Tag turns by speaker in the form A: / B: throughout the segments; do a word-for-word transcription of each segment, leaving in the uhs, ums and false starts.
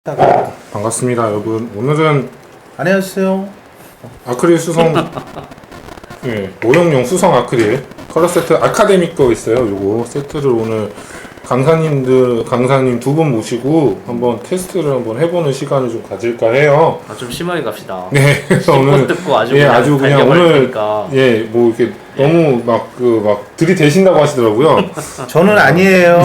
A: 다가
B: 반갑습니다, 여러분. 오늘은
A: 안녕하세요.
B: 아크릴 수성, 예, 모형용 수성 아크릴 컬러 세트 아카데믹 거 있어요. 요거 세트를 오늘 강사님들, 강사님 두 분 모시고 한번 테스트를 한번 해보는 시간을 좀 가질까 해요.
C: 아, 좀 심하게 갑시다.
B: 네, 그래서 오늘
C: 듣고 아주
B: 예,
C: 그냥
B: 아주 그냥 오늘
C: 테니까.
B: 예, 뭐 이렇게 너무 막 그 막 들이대신다고 하시더라고요.
A: 저는 아니에요.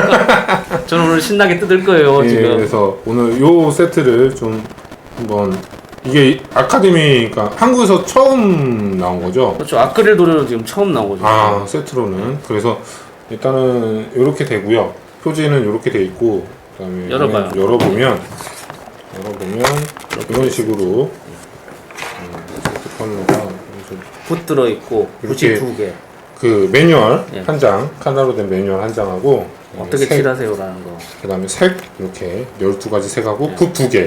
C: 저는 오늘 신나게 뜯을 거예요.
B: 예,
C: 지금.
B: 그래서 오늘 요 세트를 좀 한번 이게 아카데미, 그러니까 한국에서 처음 나온 거죠.
C: 그렇죠. 아크릴 도료로 지금 처음 나온 거죠.
B: 아, 세트로는. 그래서 일단은 이렇게 되고요. 표지는 이렇게 돼 있고, 그다음에
C: 열어봐요.
B: 열어보면 열어보면 이런 식으로 음, 세트 컬러가
C: 붓 들어 있고
B: 이렇게
C: 붓이 두 개.
B: 그 매뉴얼
C: 예.
B: 한 장, 칸나로 된 매뉴얼 한 장하고
C: 어떻게
B: 색,
C: 칠하세요라는 거.
B: 그다음에 색 이렇게 열두 가지 색하고
C: 예.
B: 붓 두 개.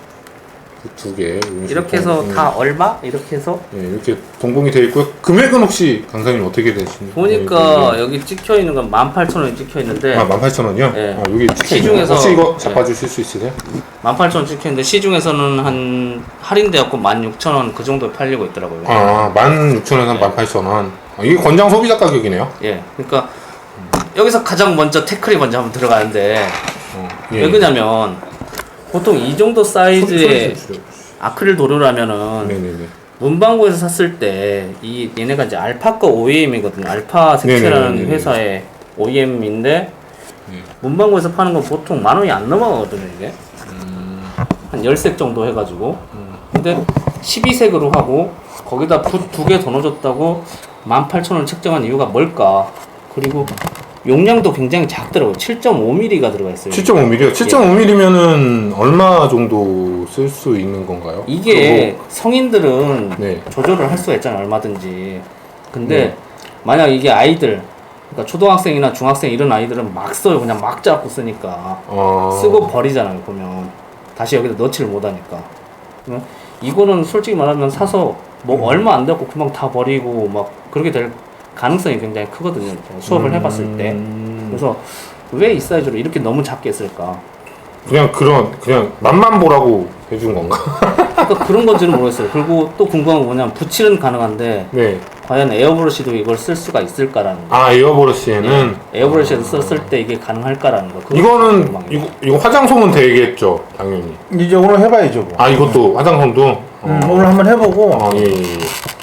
B: 붓 두 개.
C: 이렇게 해서 다 얼마? 이렇게 해서
B: 예, 이렇게 동봉이 되어 있고요. 금액은 혹시 강사님 어떻게 되시나요?
C: 보니까 여기 찍혀 있는 건 만 팔천 원이 찍혀 있는데
B: 아, 만 팔천 원이요?
C: 예.
B: 아, 여기 찍혀 있네요.
C: 시중에서
B: 혹시 이거
C: 예.
B: 잡아주실 수 있으세요?
C: 만 팔천 원 찍혀 있는데 시중에서는 한 할인되었고 만 육천 원 그 정도에 팔리고 있더라고요.
B: 아, 만 육천 원에서 만 팔천 원. 아, 이게 권장 소비자 가격이네요.
C: 예. 그러니까 여기서 가장 먼저 태클이 먼저 한번 들어가는데
B: 어,
C: 왜 그러냐면 보통 이 정도 사이즈의
B: 소리 좀
C: 아크릴 도료라면은
B: 네네네.
C: 문방구에서 샀을 때 이 얘네가 이제 알파 거 오이엠이거든요. 알파 색채라는
B: 네네네네.
C: 회사의 오이엠인데
B: 네.
C: 문방구에서 파는 건 보통 만 원이 안 넘어가거든요, 이게.
B: 음,
C: 한 십 색 정도 해 가지고. 근데 십이 색으로 하고 거기다 붓 두 개 더 넣어줬다고 만 팔천 원 책정한 이유가 뭘까? 그리고 용량도 굉장히 작더라고요. 칠 점 오 밀리미터가 들어가 있어요.
B: 칠 점 오 밀리미터요? 칠 점 오 밀리미터면은 얼마 정도 쓸 수 있는 건가요?
C: 이게 성인들은
B: 네.
C: 조절을 할 수가 있잖아요, 얼마든지. 근데
B: 네.
C: 만약 이게 아이들, 그러니까 초등학생이나 중학생 이런 아이들은 막 써요. 그냥 막 잡고 쓰니까.
B: 아,
C: 쓰고 버리잖아요, 보면. 다시 여기다 넣지를 못하니까. 그러면 이거는 솔직히 말하면 사서 뭐
B: 음.
C: 얼마 안 되고 금방 다 버리고 막 그렇게 될 가능성이 굉장히 크거든요. 제가 수업을
B: 음,
C: 해봤을 때. 그래서 왜 이 사이즈로 이렇게 너무 작게 했을까?
B: 그냥 그런 그냥 맛만 보라고 해준 건가?
C: 그러니까 그런 건지는 모르겠어요. 그리고 또 궁금한 건 뭐냐면 붓칠은 가능한데
B: 네.
C: 과연 에어브러쉬도 이걸 쓸 수가 있을까라는 거.
B: 아, 에어브러쉬에는
C: 예, 에어브러쉬에서 썼을 때 이게 가능할까라는 거. 그거
B: 이거는
C: 궁금한 거.
B: 이거 이거 화장솜은 되겠죠, 당연히.
A: 이제 오늘 해봐야죠. 뭐.
B: 아, 이것도 화장솜도.
A: 음, 오늘 한번 해보고.
B: 아, 예, 예, 예.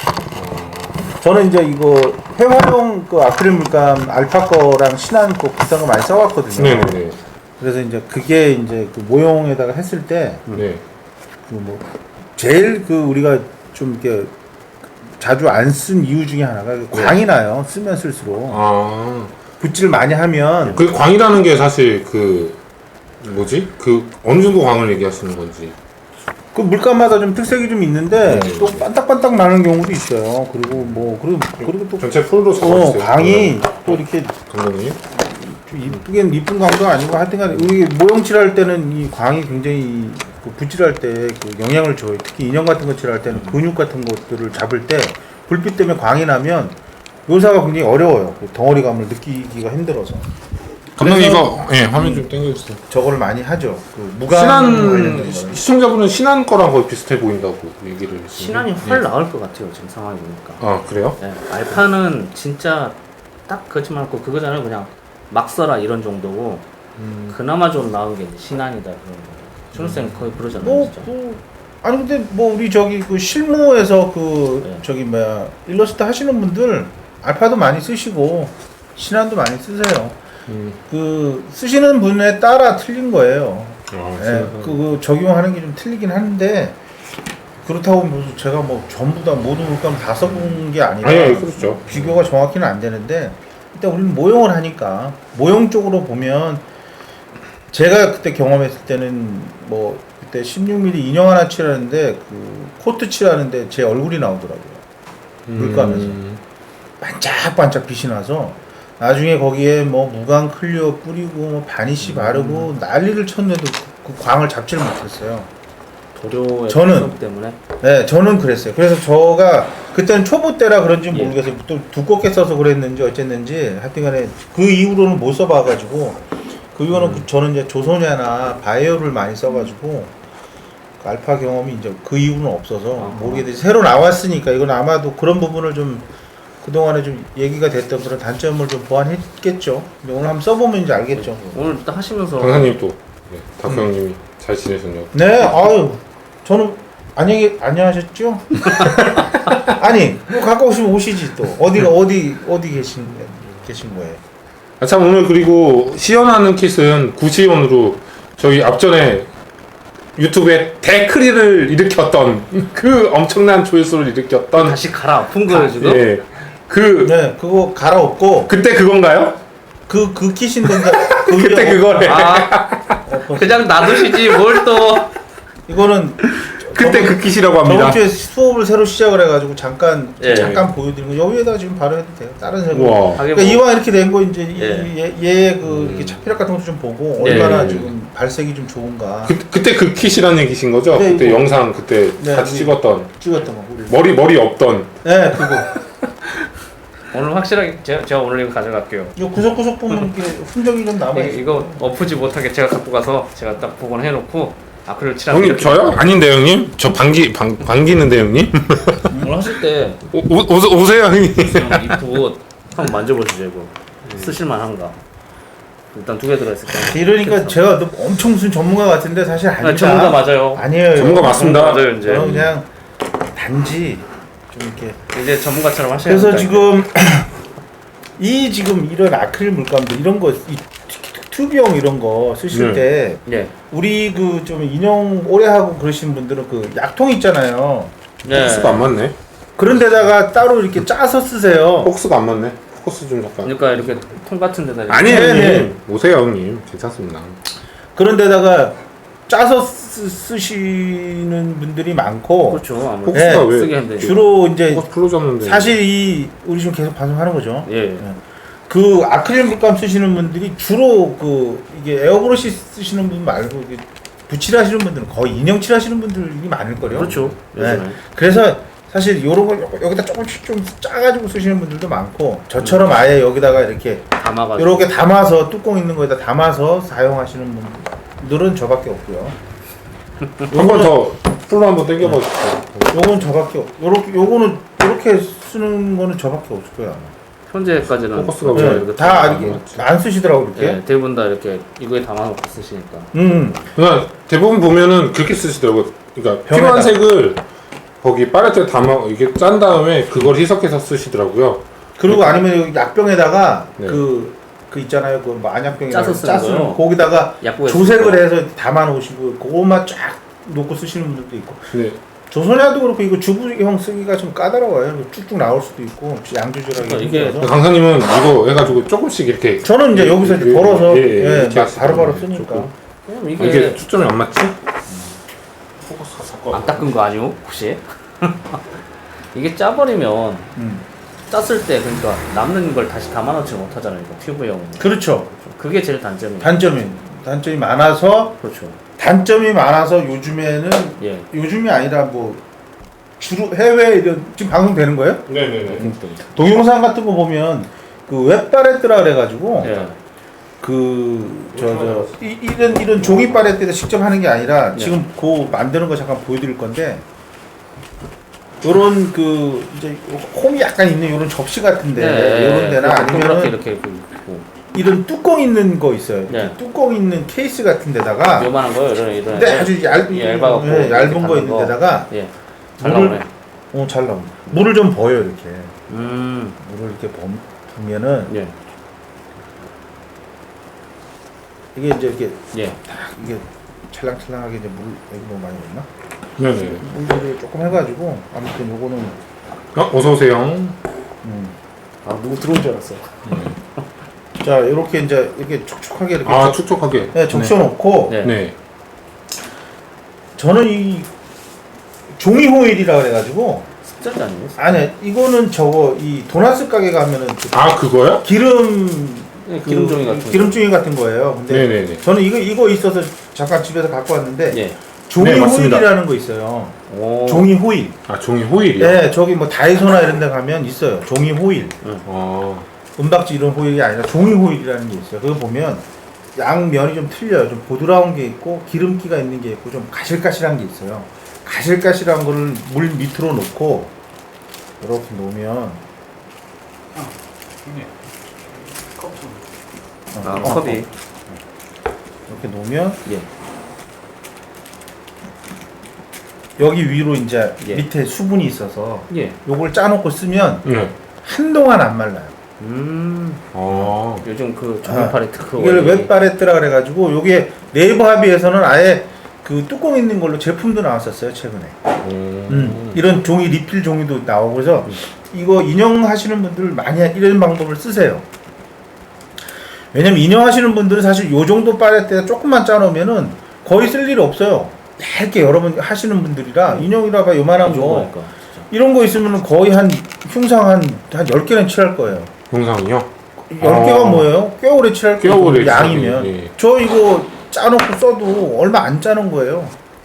A: 저는 이제 이거 회화용 그 아크릴 물감 알파 거랑 신한 거 비슷한 거 많이 써왔거든요.
B: 네네네.
A: 그래서 이제 그게 이제 그 모형에다가 했을 때
B: 네.
A: 그 뭐 제일 그 우리가 좀 이렇게 자주 안 쓴 이유 중에 하나가 그 광이 나요. 쓰면 쓸수록
B: 아,
A: 붓질 많이 하면
B: 그 광이라는 게 사실 그 뭐지? 그 어느 정도 광을 얘기하시는 건지.
A: 그 물감마다 좀 특색이 좀 있는데
B: 네.
A: 또 반딱반딱 나는 경우도 있어요. 그리고 뭐 그리고 그리고 또
B: 전체 풀로
A: 어,
B: 잡아주세요.
A: 광이 또 이렇게
B: 감독님.
A: 좀 이쁘긴 이쁜 광도 아니고 하여튼간 우리 모형 칠할 때는 이 광이 굉장히 그 붓질할 때 그 영향을 줘요. 특히 인형 같은 거 칠할 때는 근육 같은 것들을 잡을 때 불빛 때문에 광이 나면 묘사가 굉장히 어려워요. 그 덩어리감을 느끼기가 힘들어서.
B: 감독님
A: 그래서
B: 이거 예 화면 좀 당겨주세요.
A: 저거를 많이 하죠. 그 무감
B: 신한
A: 관련된 거는.
B: 시청자분은 신한 거랑 거의 비슷해 보인다고 얘기를 해주시는데.
C: 신안이 훨 나을 것 같아요, 지금 상황이 보니까.
B: 아, 그래요?
C: 네, 알파는 진짜 딱 그렇지 않고 그거잖아요. 그냥 막 써라 이런 정도고
B: 음.
C: 그나마 좀 나은 게 이제 신안이다 그런 거. 준호쌤 거의 그러잖아요,
A: 뭐,
C: 진짜.
A: 그, 아니 근데 뭐 우리 저기 그 실무에서 그
C: 네.
A: 저기 뭐야 일러스트 하시는 분들 알파도 많이 쓰시고 신한도 많이 쓰세요.
B: 음.
A: 그 쓰시는 분에 따라 틀린 거예요.
B: 아,
A: 예,
B: 신한.
A: 그, 그 적용하는 게 좀 틀리긴 한데 그렇다고 무슨 제가 뭐 전부 다 모든 물감 다 써본 게 아니라
B: 아니, 아니, 그렇죠.
A: 비교가 정확히는 안 되는데 일단 우리는 모형을 하니까 모형 쪽으로 보면 제가 그때 경험했을 때는 뭐 그때 십육 밀리미터 인형 하나 칠하는데 그 코트 칠하는데 제 얼굴이 나오더라고요. 물감에서.
B: 음.
A: 반짝반짝 빛이 나서 나중에 거기에 뭐 무광 클리어 뿌리고 뭐 바니쉬 바르고 난리를 쳤는데도 그, 그 광을 잡지를 못했어요.
C: 도료의
A: 저는-
C: 특성 때문에
A: 네, 저는 그랬어요. 그래서 저가 그때는 초보 때라 그런지
C: 예.
A: 모르겠어요. 또 두껍게 써서 그랬는지 어쨌는지 하여튼간에 그 이후로는 못 써봐가지고 그 이거는 그 저는 이제 조소냐나 바이오를 많이 써가지고 그 알파 경험이 이제 그 이후는 없어서
C: 아하.
A: 모르겠는데 새로 나왔으니까 이건 아마도 그런 부분을 좀 그동안에 좀 얘기가 됐던 그런 단점을 좀 보완했겠죠. 근데 오늘 한번 써보면 이제 알겠죠.
C: 오늘 딱 하시면서
B: 강사님 또 네, 다크 형님이 잘 지내셨냐고.
A: 네, 아유, 저는 안녕히 안녕하셨죠? 아니, 뭐 갖고 오시면 오시지 또 어디가 어디 어디 계신 계신 거예요?
B: 아, 참 오늘 그리고 시연하는 킷은 구시연으로 저희 앞전에 유튜브에 데크리를 일으켰던 그 엄청난 조회수를 일으켰던
C: 다시 갈아 아픈 거예요 지금?
B: 예. 그
A: 네, 그거 갈아엎고
B: 그때 그건가요?
A: 그 그 키신데
B: 그때 그거래.
C: 아 그냥 놔두시지 뭘 또
A: 이거는
B: 그때 그 킷이라고
A: 저번
B: 합니다.
A: 주에 수업을 새로 시작을 해가지고 잠깐
C: 예.
A: 잠깐 보여드린 거 여기에다 지금 바로 해도 돼요. 다른 색으로.
B: 우와.
C: 하긴
A: 그러니까
C: 뭐
A: 이왕 이렇게 된 거 이제
C: 예.
A: 얘그
B: 음.
A: 이렇게 차피력 같은 것도 좀 보고
C: 예.
A: 얼마나 지금 발색이 좀 좋은가
B: 그, 그때 그 킷이라는 얘기신 거죠?
A: 네,
B: 그때
A: 이거.
B: 영상 그때
A: 네,
B: 같이
A: 우리-
B: 찍었던
A: 찍었던 거. 우리.
B: 머리 머리 없던
A: 네, 그거.
C: 오늘 확실하게 제가, 제가 오늘 이거 가져갈게요.
A: 이거 구석구석 보면 이게 흔적이 좀 남아
C: 이거,
A: 있어.
C: 이거 엎지 못하게 제가 갖고 가서 제가 딱 복원해놓고 아크릴 칠하고
B: 형님
C: 이렇게
B: 저요? 아닌데 형님? 저 방귀 방, 방귀는데 형님?
C: 오늘 하실 때
B: 오, 오, 오세- 오세요 형님.
C: 이쁘고 한번 만져보시죠 이거 쓰실만한가? 일단 두 개 들어있을 거예요.
A: 이러니까 제가 너 엄청 무슨 전문가 같은데 사실 아니다.
C: 아, 전문가 맞아요.
A: 아니에요.
B: 전문가 맞습니다.
C: 맞아요 이제.
A: 저는 그냥 단지 좀 이렇게.
C: 이제 전문가처럼 하셔야
A: 그래서
C: 됩니다,
A: 지금 이 지금 이런 아크릴 물감들 이런 거, 이 튜브형 이런 거 쓰실
B: 네.
A: 때
C: 이제. 예.
A: 우리 그 좀 인형 오래 하고 그러시는 분들은 그 약통 있잖아요.
C: 네.
B: 포커스가 안 맞네.
A: 그런 데다가 따로 이렇게 짜서 쓰세요.
B: 포커스가 안 맞네. 포커스 좀 잠깐.
C: 그러니까 이렇게 통 같은 데다 이렇게
B: 아니에요
A: 네,
B: 형님. 오세요 형님. 괜찮습니다.
A: 그런 데다가 짜서 쓰, 쓰시는 분들이 많고
C: 그렇죠. 아무래도
B: 포커스가
A: 네,
B: 왜
C: 쓰게 하면 되죠.
A: 주로 이제
B: 포커스 풀로 잡는데.
A: 사실 이 우리 지금 계속 방송하는 거죠.
C: 예.
A: 그 아크릴 물감 쓰시는 분들이 주로 그 이게 에어브러시 쓰시는 분 말고 이게 붓칠 하시는 분들은 거의 인형칠 하시는 분들이 많을 거예요.
C: 그렇죠.
A: 네.
C: 요즘에.
A: 그래서 사실 요런 거 요- 여기다 조금씩 좀 짜가지고 쓰시는 분들도 많고 저처럼 아예 여기다가 이렇게
C: 담아가지고.
A: 요렇게 담아서 뚜껑 있는 거에다 담아서 사용하시는 분들은 저밖에 없고요.
B: 한 번 더 풀로 한번 당겨봐 주세요.
A: 요건 저밖에 없. 요렇게 요거는 요렇게 쓰는 거는 저밖에 없을 거예요. 아마.
C: 현재까지는
B: 포커스가
C: 그렇죠.
B: 왜
C: 이렇게
A: 다
C: 담아서.
A: 이렇게 안 쓰시더라고 이렇게.
C: 예, 대부분 다 이렇게 이거에 담아놓고 쓰시니까.
A: 음.
B: 그냥 대부분 보면은 그렇게 쓰시더라고. 그러니까
A: 병에다.
B: 필요한 색을 거기 빨래대 담아 이게 짠 다음에 그걸 희석해서 쓰시더라고요.
A: 그리고 아니면 여기 약병에다가
B: 네.
A: 그, 그 있잖아요. 그 뭐 안약병이나
C: 짜서 쓰는 거요?
A: 거기다가
C: 약국에
A: 조색을
C: 쓰는
A: 해서 담아 놓으시고 그것만 쫙 놓고 쓰시는 분들도 있고.
B: 네.
A: 조선야도 그렇고 이거 주부형 쓰기가 좀 까다로워요. 쭉쭉 나올 수도 있고 양 조절하기
C: 그러니까 이게
A: 힘들어서.
B: 강사님은 이거 해가지고 조금씩 이렇게
A: 저는 이제 여기서 이렇게
B: 예,
A: 걸어서
B: 예, 예,
A: 예,
B: 이렇게
A: 막 바로바로
B: 하시더라고요.
A: 쓰니까.
B: 조금.
C: 그럼
B: 아,
C: 이게,
B: 이게 초점이 안 맞지? 포커스가 섞어.
C: 안 닦은 거 아니오? 혹시? 이게 짜버리면
A: 음.
C: 짰을 때 그러니까 남는 걸 다시 담아놓지 못하잖아요. 이거 튜브형은.
A: 그렇죠.
C: 그게 제일 단점이에요.
A: 단점이 단점이 많아서
C: 그렇죠.
A: 단점이 많아서 요즘에는
C: 예.
A: 요즘이 아니라 뭐 주로 해외 이런 지금 방송 되는 거예요?
B: 네네네.
A: 동영상 같은 거 보면 그 웹바레트라 그래가지고
C: 예.
A: 그 저 저 이런 이런 종이 바레트에다 직접 하는 게 아니라
C: 네.
A: 지금 그 만드는 거 잠깐 보여드릴 건데 요런 그 이제 홈이 약간 있는 요런 접시 같은데 요런 데나
C: 동그랗게
A: 아니면
C: 이렇게 있고
A: 이런 뚜껑 있는 거 있어요.
C: 네.
A: 뚜껑 있는 케이스 같은 데다가
C: 요만한 거요. 이런 이런.
A: 근데 아주 얇,
C: 예, 얇아갖고
A: 예,
C: 이렇게
A: 얇은 거
C: 담는
A: 있는
C: 거.
A: 데다가
C: 예. 잘
A: 물을-
C: 나오네.
A: 어, 잘 나옵니다. 물을 좀 버요 이렇게.
C: 음.
A: 물을 이렇게 범, 보면은
C: 예.
A: 이게 이제 이렇게
C: 예.
A: 딱 이게 찰랑찰랑하게 이제 물 여기 너무 많이 넣나?
B: 네네.
A: 물을 조금 해가지고 아무튼 요거는
B: 어, 어서 오세요.
A: 음.
C: 아 누구 들어온 줄 알았어.
A: 자 이렇게 이제 이렇게 촉촉하게 이렇게
B: 아
A: 적-
B: 촉촉하게.
A: 네, 적셔놓고
C: 네.
B: 네.
A: 저는 이 종이 호일이라 그래가지고
C: 습자지 아니에요?
A: 아니 이거는 저거 이 도나스 가게 가면은 그
B: 아 그거요?
C: 예,
A: 기름 그
C: 기름종이 같은 거.
A: 기름종이 같은 거예요. 근데
B: 네네네.
A: 저는 이거 이거 있어서 잠깐 집에서 갖고 왔는데
C: 예.
A: 종이
B: 네, 맞습니다.
A: 호일이라는 거 있어요.
C: 오.
A: 종이 호일.
B: 아 종이 호일이요?
A: 네, 저기 뭐 다이소나 이런 데 가면 있어요. 종이 호일.
B: 어.
A: 은박지 이런 호일이 아니라 종이 호일이라는 게 있어요. 그거 보면 양면이 좀 틀려요. 좀 보드라운 게 있고 기름기가 있는 게 있고 좀 가실가실한 게 있어요. 가실가실한 거를 물 밑으로 놓고 이렇게 놓으면
D: 이게 컵 좀.
A: 어,
C: 아,
A: 어,
C: 컵이.
A: 이렇게 놓으면
C: 예.
A: 여기 위로 이제
C: 예.
A: 밑에 수분이 있어서
C: 예.
A: 요걸 짜놓고 쓰면
B: 네.
A: 한동안 안 말라요.
C: 음.
B: 아.
C: 요즘 그 조명팔이 특허.
A: 이걸 웹바레트라 그래가지고 요게 네이버 합의에서는 아예 그 뚜껑 있는 걸로 제품도 나왔었어요 최근에.
B: 음.
A: 음, 이런 종이 리필 종이도 나오고 그래서 이거 인형하시는 분들 많이 이런 방법을 쓰세요. 왜냐면 인형하시는 분들은 사실 요 정도 바레트에 조금만 짜놓으면은 거의 쓸 일 없어요. 얇게 여러 번 하시는 분들이라 인형이라 봐 요만한 거
C: 거니까.
A: 이런 거 있으면 거의 한 흉상 한 한 열 개는 칠할 거예요.
B: 영상이요?
A: 열 개가
B: 아.
A: 뭐예요? 꽤 오래 칠할
B: 꽤
A: 거예요.
B: 오래
A: 양이면.
B: 칠하기, 예.
A: 저 이거 짜놓고 써도 얼마 안 짜는 거예요.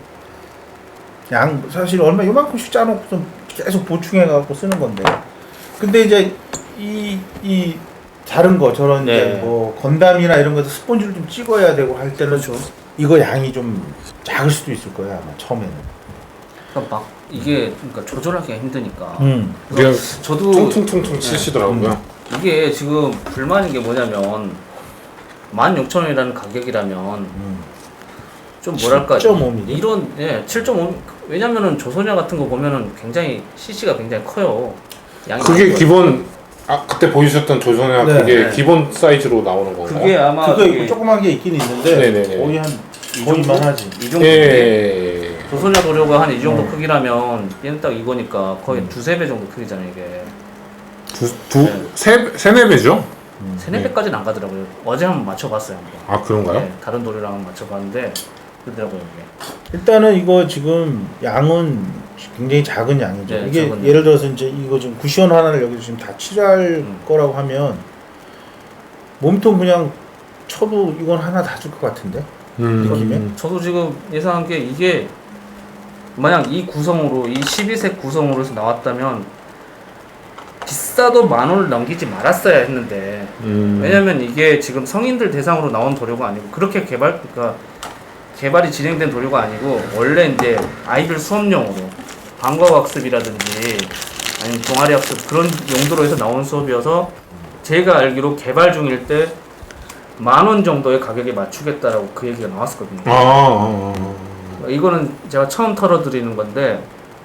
A: 양 사실 얼마 요만큼씩 짜놓고 좀 계속 보충해 갖고 쓰는 건데. 근데 이제 이 이 다른 거 저런
C: 네.
A: 이제 뭐 건담이나 이런 거에서 스펀지를 좀 찍어야 되고 할 때는
C: 그렇죠.
A: 이거 양이 좀 작을 수도 있을 거예요 아마 처음에는.
C: 그러니까 막 이게 그러니까 조절하기가 힘드니까.
A: 음.
B: 그냥
C: 저도
B: 퉁퉁퉁퉁 치시더라고요.
C: 이게 지금 불만인 게 뭐냐면 만 육천 원이라는 가격이라면
A: 음.
C: 좀 뭐랄까
A: 칠 점 오 밀리미터?
C: 이런 예 칠 점 오 왜냐면은 조선야 같은 거 보면은 굉장히 씨씨가 굉장히 커요. 양이
B: 그게
C: 많이
B: 기본 아 그때 보여주셨던 조선야
A: 네.
B: 그게
C: 네.
B: 기본 사이즈로 나오는 건가요?
C: 그게 아마
A: 그거
C: 그게
A: 있고 조그만 게 있긴 있는데
B: 네네네.
A: 거의 한
C: 이
A: 거의
C: 정도?
A: 만하지.
C: 이 정도.
B: 예.
C: 조선야 도료가 한 이 정도
A: 음.
C: 크기라면 얘는 딱 이거니까 거의
A: 음.
C: 두세 배 정도 크기잖아요 이게.
B: 두, 두, 세, 세네 배죠?
C: 세네 배까지는 안 가더라고요. 어제 한번 맞춰봤어요 한번.
B: 아, 그런가요?
C: 네, 다른 도료랑 한번 맞춰봤는데 그러더라고요 이게.
A: 일단은 이거 지금 양은 굉장히 작은 양이죠.
C: 네,
A: 이게
C: 작은
A: 예를 들어서 이제 이거 지금 쿠션 하나를 여기서 지금 다 칠할
C: 음.
A: 거라고 하면 몸통 그냥 쳐도 이건 하나 다 줄 것 같은데. 느낌에?
C: 저도 지금 예상한 게 이게 만약 이 구성으로 이 십이 색 구성으로 해서 나왔다면 비싸도 만 원을 넘기지 말았어야 했는데
B: 음.
C: 왜냐면 이게 지금 성인들 대상으로 나온 도료가 아니고 그렇게 개발 그러니까 개발이 진행된 도료가 아니고 원래 이제 아이들 수업용으로 방과학습이라든지 아니면 동아리 학습 그런 용도로 해서 나온 수업이어서 제가 알기로 개발 중일 때 만 원 정도의 가격에 맞추겠다라고 그 얘기가 나왔었거든요.
B: 아, 아, 아.
C: 이거는 제가 처음 털어드리는 건데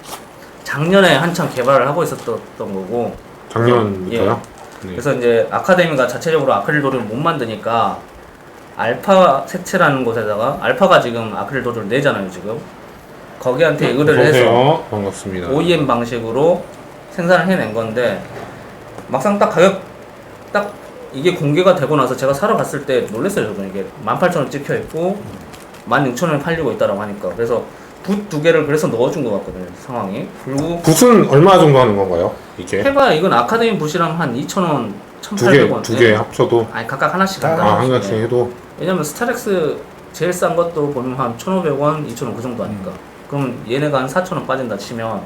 C: 작년에 한창 개발을 하고 있었던 거고
B: 작년부터요? 네.
C: 그래서 이제 아카데미가 자체적으로 아크릴 도료를 못 만드니까 알파 색채라는 곳에다가 알파가 지금 아크릴 도료를 내잖아요 지금 거기한테 의뢰를 해서
B: 어서오세요. 반갑습니다.
C: 오이엠 방식으로 생산을 해낸 건데 막상 딱 가격 딱 이게 공개가 되고 나서 제가 사러 갔을 때 놀랐어요 저도 이게 만 팔천 원 찍혀 있고 만 육천 원에 팔리고 있다라고 하니까 그래서 붓 두 개를 그래서 넣어준 것 같거든요 상황이 그리고
B: 붓은 얼마 정도 하는 건가요? 이게?
C: 해봐야 이건 아카데미 붓이랑 한 이천 원,
B: 두 개,
C: 천팔백 원
B: 두 개 합쳐도?
C: 아니 각각 하나씩
A: 아,
C: 한다
B: 아, 한 가지 해도?
C: 왜냐면 스타렉스 제일 싼 것도 보면 한 천오백 원, 이천 원 그 정도 하니까 그럼 얘네가 한 사천 원 빠진다 치면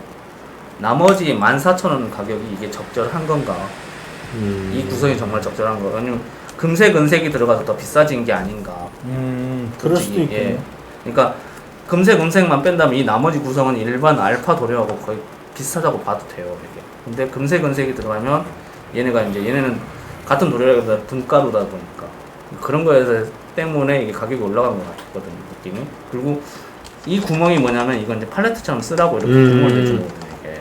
C: 나머지 만 사천 원 가격이 이게 적절한 건가
B: 음.
C: 이 구성이 정말 적절한 거 아니면 금색, 은색이 들어가서 더 비싸진 게 아닌가
A: 음, 그럴 수도
C: 솔직히,
A: 있고.
C: 예. 그러니까 금색, 은색만 뺀다면 이 나머지 구성은 일반 알파 도료하고 거의 비슷하다고 봐도 돼요 이게. 근데 금색, 은색이 들어가면 얘네가 이제 얘네는 같은 도료라기보다 등가루다 보니까 그런 거에 때문에 이게 가격이 올라간 것 같거든요 느낌이. 그리고 이 구멍이 뭐냐면 이건 이제 팔레트처럼 쓰라고 이렇게
B: 음.
C: 구멍을 내준 거거든요 이게.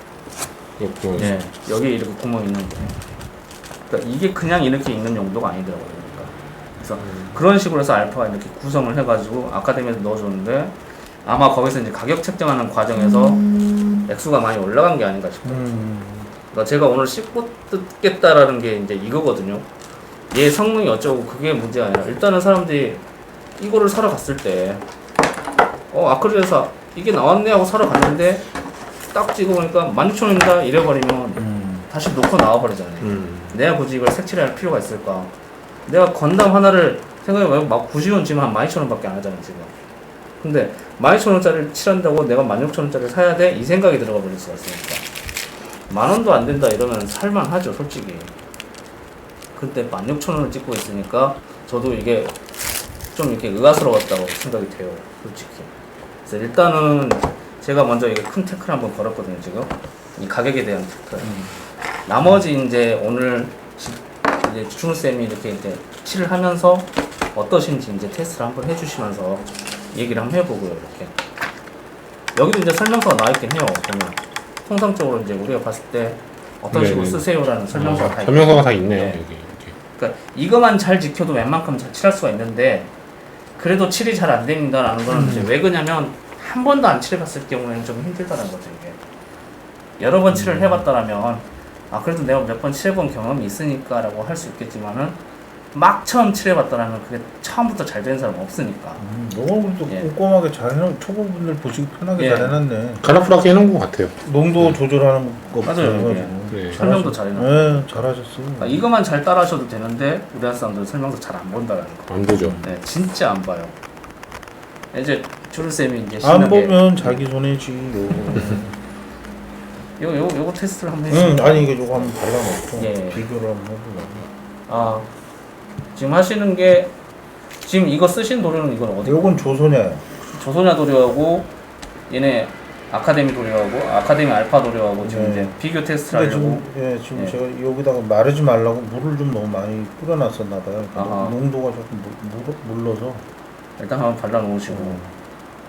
B: 그렇군요.
C: 예, 여기 이렇게 구멍이 있는데 그러니까 이게 그냥 이렇게 있는 용도가 아니더라고요 그러니까. 그래서 그런 식으로 해서 알파가 이렇게 구성을 해가지고 아카데미에서 넣어줬는데 아마 거기서 이제 가격 책정하는 과정에서 액수가 많이 올라간 게 아닌가 싶어요.
A: 음.
C: 그러니까 제가 오늘 씹고 뜯겠다라는 게 이제 이거거든요. 얘 성능이 어쩌고 그게 문제가 아니라 일단은 사람들이 이거를 사러 갔을 때 어 아크릴에서 이게 나왔네 하고 사러 갔는데 딱 찍어보니까 만 육천 원입니다 이래버리면
A: 음.
C: 다시 놓고 나와버리잖아요.
B: 음.
C: 내가 굳이 이걸 색칠할 필요가 있을까? 내가 건담 하나를 생각해보면 막 구십 원 지금 한 만 이천 원밖에 안 하잖아요 지금. 근데 만 이천 원짜리를 칠한다고 내가 만 육천 원짜리를 사야 돼? 이 생각이 들어가 버릴 수가 있으니까 만 원도 안 된다 이러면 살만하죠 솔직히. 근데 만 육천 원을 찍고 있으니까 저도 이게 좀 이렇게 의아스러웠다고 생각이 돼요, 솔직히. 그래서 일단은 제가 먼저 이게 큰 태클 한번 걸었거든요, 지금. 이 가격에 대한 태클.
A: 음.
C: 나머지 이제 오늘 지- 이제 준우쌤이 이렇게 이제 칠을 하면서 어떠신지 이제 테스트를 한번 해주시면서 얘기를 한번 해보고요, 이렇게. 여기도 이제 설명서가 나와있긴 해요, 보면. 통상적으로 이제 우리가 봤을 때 어떤 식으로
B: 네네.
C: 쓰세요라는 설명서가 다
B: 아,
C: 있고.
B: 설명서가 다 있네요.
C: 네.
B: 여기 이렇게.
C: 그러니까 이것만 잘 지켜도 웬만큼 잘 칠할 수가 있는데 그래도 칠이 잘 안 됩니다라는 거는 이제 왜 그러냐면 한 번도 안 칠해봤을 경우에는 좀 힘들다는 거죠 이게. 여러 번 칠을 해봤다라면 아 그래도 내가 몇 번 칠해본 경험이 있으니까라고 할 수 있겠지만은 막 처음 칠해봤다라면 그게 처음부터 잘 되는 사람은 없으니까.
A: 음, 너무 또
C: 예.
A: 꼼꼼하게 잘 해놓은 초보분들 보시기 편하게
C: 예.
A: 잘 해놨네.
B: 카라풀하게 해놓은 것 같아요.
A: 농도 조절하는 거부터
C: 맞아요,
A: 해가지고.
B: 네.
C: 설명도 잘 해놨고.
A: 네, 잘하셨어.
C: 그러니까 이것만 잘 따라하셔도 되는데 우리나라 사람들은 설명서 잘 안 본다라는 거.
B: 안 보죠.
C: 네, 진짜 안 봐요. 이제 주르쌤이 이제
A: 안
C: 신나게
A: 보면 자기 손해지.
C: 요, 요, 요거 테스트를 한번
A: 응,
C: 해주세요.
A: 아니 이게 요거 한번 발라놓고
C: 예.
A: 비교를 한번 해보려고.
C: 아, 지금 하시는 게, 지금 이거 쓰신 도료는 이건 어디?
A: 요건 조소냐예요.
C: 조소냐 도료하고, 얘네 아카데미 도료하고, 아카데미 알파 도료하고, 지금
A: 네.
C: 이제 비교 테스트를
A: 근데
C: 하려고.
A: 지금 예, 지금
C: 예.
A: 제가 여기다가 마르지 말라고 물을 좀 너무 많이 뿌려놨었나 봐요. 근데
C: 아하.
A: 농도가 조금 물, 물, 물러서.
C: 일단 한번 발라놓으시고.
A: 음.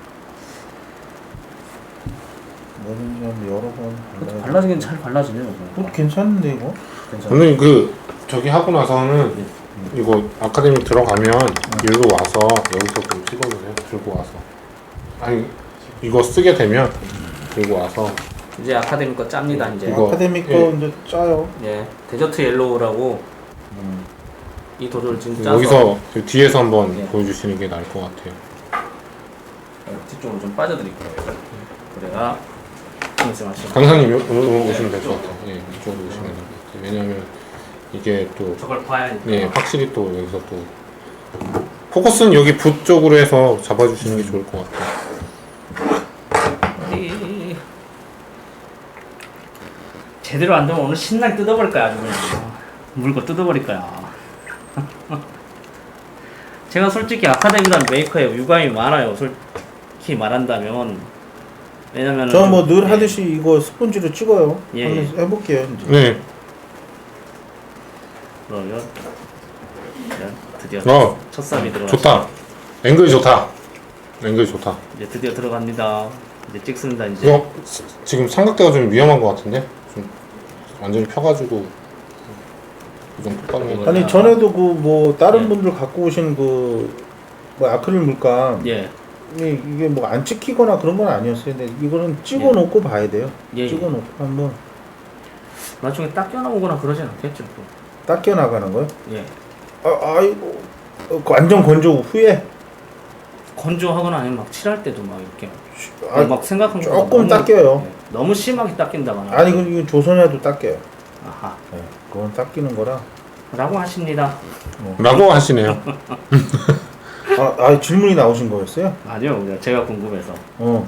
A: 뭐든지 한번 여러 번
C: 그것도
A: 발라야
C: 발라지긴 잘 발라지네요.
A: 어, 괜찮은데 이거?
C: 괜찮아요.
B: 저는 그 저기 하고 나서는 이거 아카데미 들어가면 일로 와서 여기서 좀 찍어주세요. 들고 와서. 아니 이거 쓰게 되면 들고 와서
C: 이제 아카데미 거 짭니다, 이제.
B: 이거,
A: 아카데미 거
B: 예.
A: 이제 짜요.
C: 예, 데저트 옐로우라고
A: 음.
C: 이 도료를 지금 짜서.
B: 여기서 그 뒤에서 한번
C: 예.
B: 보여주시는 게 나을 것 같아요.
C: 뒤쪽으로 좀 빠져드릴 거예요. 그래야 말씀하시면.
B: 강사님 요, 요, 요 오시면 될 것 같아요. 예, 이쪽으로 오시면 될 것 같아요. 왜냐하면 이게 또
C: 저걸 봐야 하니까.
B: 네, 확실히 또 여기서 또 포커스는 여기 붓 쪽으로 해서 잡아주시는 게 좋을 것 같아요.
C: 이- 제대로 안 되면 오늘 신나게 뜯어버릴 거야 아주 그냥 물고 뜯어버릴 거야. 제가 솔직히 아카데미라는 메이커에 유감이 많아요. 솔직히 말한다면 왜냐면
A: 저는 뭐 늘 하듯이 이거 스펀지로 찍어요.
C: 예,
A: 한번 해볼게요. 이제.
B: 네,
C: 그러면 드디어
B: 어,
C: 첫 삽이 들어갔.
B: 좋다. 앵글이 좋다. 앵글이 좋다.
C: 이제 드디어 들어갑니다. 이제 찍습니다 이제.
B: 이거 지- 지금 삼각대가 좀 위험한 것 같은데? 좀 완전히 펴가지고 좀 똑바로 해야 돼.
A: 아니 전에도 그 뭐 다른
C: 예.
A: 분들 갖고 오신 그 뭐 아크릴 물감
C: 예,
A: 이- 이게 뭐 안 찍히거나 그런 건 아니었어요. 근데 이거는 찍어놓고 봐야 돼요.
C: 예, 예.
A: 찍어놓고 한번
C: 나중에 딱 껴나오거나 그러진 않겠죠 또.
A: 닦여 나가는 거요.
C: 예.
A: 아, 아이고 어, 완전 건조 후에
C: 건조하거나 아니면 막 칠할 때도 막 이렇게
A: 아,
C: 막 생각한 거
A: 조금 닦여요.
C: 너무 심하게 닦인다거나.
A: 아니 그 이거 조선야도 닦여요.
C: 아하.
A: 네, 그건 닦이는 거라.
C: 라고 하십니다.
B: 라고 하시네요.
A: 아, 아 질문이 나오신 거였어요?
C: 아니요, 그냥 제가 궁금해서
A: 어.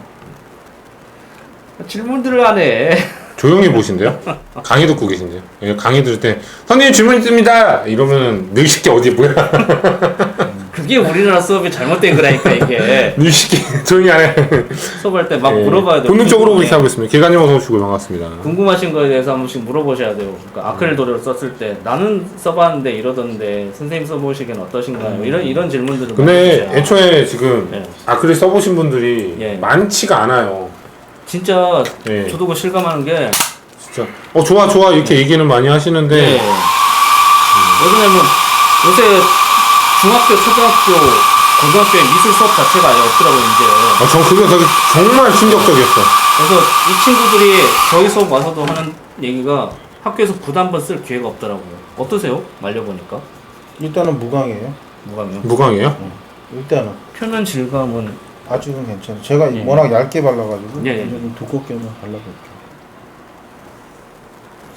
C: 질문들을 하네.
B: 조용히 보신대요? 강의 듣고 계신데요? 예, 강의 들을 때 선생님 질문 있습니다! 이러면은 늙식이 어디 뭐야?
C: 그게 우리나라 수업이 잘못된 거라니까 이게.
B: 늙식이 조용히 안 해.
C: 수업할 때 막
B: 예,
C: 물어봐야 돼요.
B: 본능적으로
C: 궁금해.
B: 그렇게 하고 있습니다. 개관님 어서 오시고 반갑습니다.
C: 궁금하신 거에 대해서 한 번씩 물어보셔야 돼요. 그러니까 아크릴 도료를 썼을 때 나는 써봤는데 이러던데 선생님 써보시기엔 어떠신가요? 이런 이런 질문들을
B: 근데
C: 많이 주세요.
B: 애초에 지금
C: 예.
B: 아크릴 써보신 분들이
C: 예.
B: 많지가 않아요.
C: 진짜
B: 예.
C: 저도 그 실감하는 게
B: 진짜 어 좋아 좋아 이렇게 얘기는 많이 하시는데
C: 예. 왜냐면 요새 중학교, 초등학교, 고등학교의 미술 수업 자체가 아예 없더라고요 이제.
B: 아, 전 그게 되게 정말 충격적이었어.
C: 그래서 이 친구들이 저희 수업 와서도 하는 얘기가 학교에서 붓 한 번 쓸 기회가 없더라고요. 어떠세요? 말려보니까
A: 일단은 무광이에요.
C: 무감이요.
B: 무광이에요?
A: 일단은
C: 표면 질감은
A: 아직은 괜찮아요. 제가
C: 예.
A: 워낙 얇게 발라가지고
C: 예, 예.
A: 이제 좀 두껍게 한번 발라볼게요.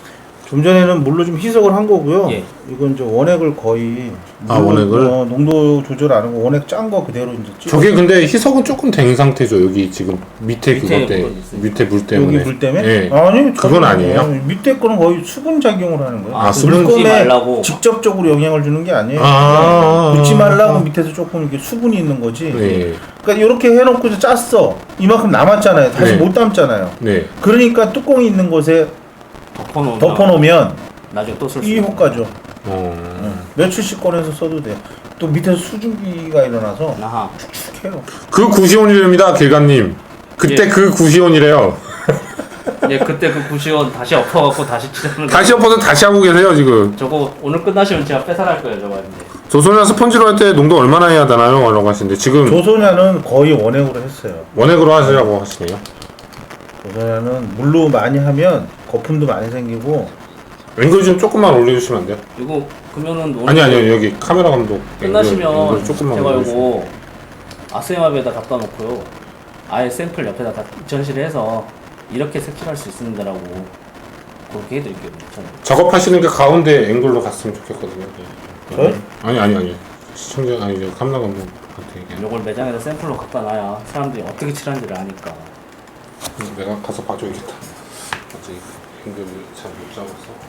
A: 좀 전에는 물로 좀 희석을 한 거고요.
C: 예.
A: 이건 이제 원액을 거의
B: 아,
A: 물로,
B: 원액을?
A: 어, 농도 조절 안 하고 원액 짠 거 그대로 이제 찍어.
B: 저게 근데 희석은 조금 된 상태죠. 여기 지금 밑에
C: 밑에
B: 그것 때
C: 물건 있어요.
B: 밑에 물 때문에.
A: 여기 물 때문에?
B: 예.
A: 아니
B: 그건
A: 전혀
B: 아니에요?
A: 아니에요. 밑에 거는 거의 수분 작용을 하는 거예요.
B: 아,
A: 그
B: 수분
C: 붓지
A: 물건에
C: 말라고.
A: 직접적으로 영향을 주는 게 아니에요.
B: 아.
A: 붓지 말라고 밑에서 조금 이렇게 수분이 있는 거지.
B: 네.
A: 그러니까 이렇게 해놓고 이제 짰어. 이만큼 남았잖아요. 다시
B: 네.
A: 못 담잖아요.
B: 네.
A: 그러니까 뚜껑이 있는 곳에
C: 덮어놓으면
A: 덮어놓으면
C: 나중에 또 쓸 수
A: 이
C: 있는
A: 효과죠.
B: 어.
A: 응. 며칠씩 꺼내서 써도 돼요. 또 밑에서 수증기가 일어나서
C: 아하.
A: 축축해요.
B: 그 구시온이랍니다, 길가님. 그때
C: 예.
B: 그 구시온이래요.
C: 예, 그때 그 구시원 다시 엎어갖고 다시 치자는 거.
B: 다시 엎어서 다시 하고 계세요, 지금.
C: 저거 오늘 끝나시면 제가 뺏어갈 거예요, 저거 이제.
B: 조선이나 스펀지로 할 때 농도 얼마나 해야 되나요? 라고 하시는데, 지금
A: 조소냐는 거의 원액으로 했어요.
B: 원액으로 하시라고 하시네요.
A: 조소냐는 물로 많이 하면 거품도 많이 생기고
B: 앵글 좀 조금만 올려주시면 안 돼요?
C: 이거 그러면은 오늘
B: 아니, 아니요, 여기 카메라 감독.
C: 끝나시면
B: 앵글, 앵글 조금만
C: 제가
B: 올려주시면.
C: 이거 아스엠압에다 갖다 놓고요. 아예 샘플 옆에다 다 전시를 해서 이렇게 색칠할 수 있습니다라고 그렇게 해드릴게요. 저는.
B: 작업하시는 게 가운데 앵글로 갔으면 좋겠거든요. 네.
A: 저요?
B: 아니, 아니, 아니. 시청자, 아니, 저 카메라 감독한테 얘기해.
C: 이걸 매장에다 샘플로 갖다 놔야 사람들이 어떻게 칠하는지를 아니까.
B: 그래서 내가 가서 봐줘야겠다. 아직 앵글을 잘 못 잡아서.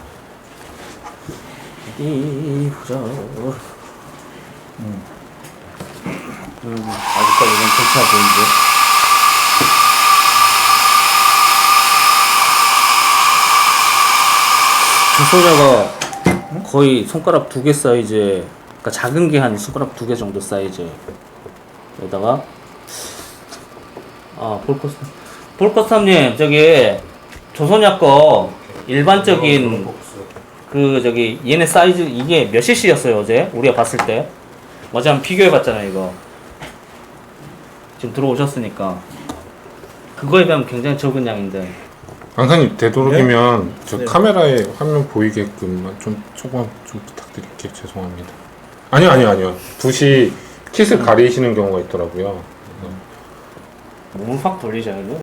C: 어디 보자. 음. 음, 아직까지는 괜찮아 보이는데. 조소냐가 거의 손가락 두 개 사이즈, 그러니까 작은 게 한 손가락 두 개 정도 사이즈에다가 아 볼커스 볼커스함님 저기 조소냐 거 일반적인 그 저기 얘네 사이즈 이게 몇 씨씨였어요 어제 우리가 봤을 때 어제 한번 비교해봤잖아요 이거 지금 들어오셨으니까 그거에 비하면 굉장히 적은 양인데
B: 강사님 되도록이면 저
A: 네.
B: 카메라에 화면 보이게끔만 좀 조금 좀 부탁드릴게요. 죄송합니다. 아니요, 아니요, 아니요. 붓이 킷을 가리시는 경우가 있더라고요.
C: 몸을 확 돌리셔야 돼요.